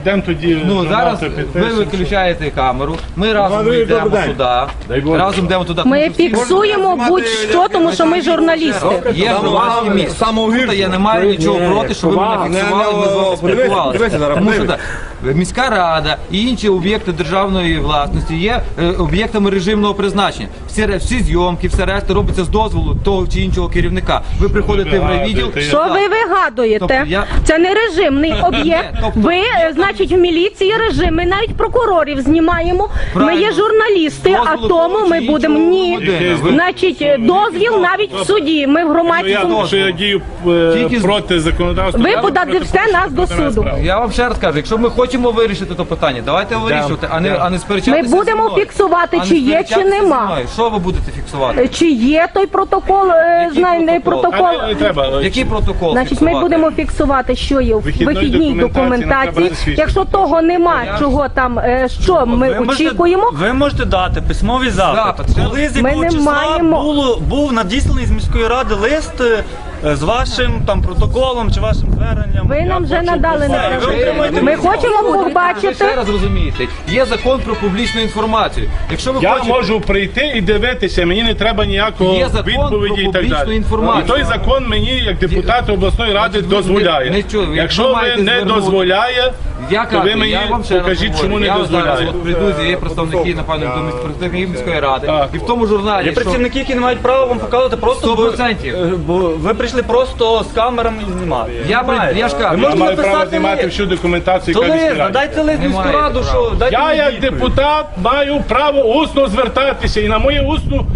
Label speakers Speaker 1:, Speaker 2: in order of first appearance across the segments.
Speaker 1: йдемо тоді.
Speaker 2: Ну зараз ви виключаєте камеру, ми разом йдемо туди, разом йдемо туди.
Speaker 3: Ми фіксуємо будь-що, тому що ми журналісти.
Speaker 2: Є громадське місце. Я не маю нічого проти, щоб ви мене фіксували, ми з вами спілкувалися. Тому що міська рада і інші об'єкти державної власності є об'єктами режимного призначення. Всі зйомки, все решта робиться з дозволу того чи іншого керівника. Ви приходите в райвідділ.
Speaker 3: Що ви вигадуєте? Це не режимний об'єкт. Ви, значить, в міліції режим. Ми навіть прокурорів знімаємо. Ми є журналісти, а тому ми будемо ні. Значить, дозвіл навіть в суді. Ми в громадському.
Speaker 1: Що я дію проти законодавства.
Speaker 3: Ви подадите нас до суду.
Speaker 2: Я вам ще раз кажу, якщо ми хочемо вирішити це питання, давайте вирішувати, а не сперечатися.
Speaker 3: Ми будемо фіксувати, чи є, чи нема.
Speaker 2: Що ви будете фіксувати?
Speaker 3: Чи є той протокол, знайдений протокол?
Speaker 2: Який протокол?
Speaker 3: Значить, ми будемо фіксувати, що є в вихідній документації. Якщо того нема, чого там, що ми очікуємо.
Speaker 4: Ви можете дати письмовий запит. Коли з якого числа був надісланий з міської ради лист з вашим там протоколом чи вашим зверненням?
Speaker 3: Ви нам вже надали на Ми хочемо побачити.
Speaker 2: Ще раз розумієте, є закон про публічну інформацію. Якщо ви
Speaker 1: Я можу прийти і дивитися, мені не треба ніякого відповіді і так далі. І той закон мені, як депутату обласної ради, дозволяє. Якщо ви не дозволяє, то ви мені покажіть, чому не дозволяє.
Speaker 2: От прийдуть, є представники, напевно, до представників міської ради. І в тому журналі,
Speaker 4: Є працівники, які не мають права вам показувати просто,
Speaker 2: 100%.
Speaker 4: бо ви прийшли просто з камерами і знімати.
Speaker 2: Я ж кажу,
Speaker 1: Я маю право знімати всю документацію, яка міська рада.
Speaker 4: Дайте лист в міську раду, що дайте
Speaker 1: Я
Speaker 4: мені
Speaker 1: як
Speaker 4: відповідь.
Speaker 1: депутат маю право усно звертатися і на моє усну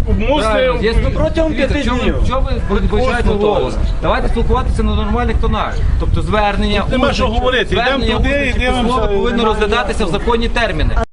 Speaker 4: Протягом 5 днів.
Speaker 2: Чого ви починаєте голос? Давайте спілкуватися на нормальних тонах. Тобто звернення,
Speaker 1: Нема що говорити. Йдемо туди і дивимося.
Speaker 2: повинно розглядатися в законні терміни.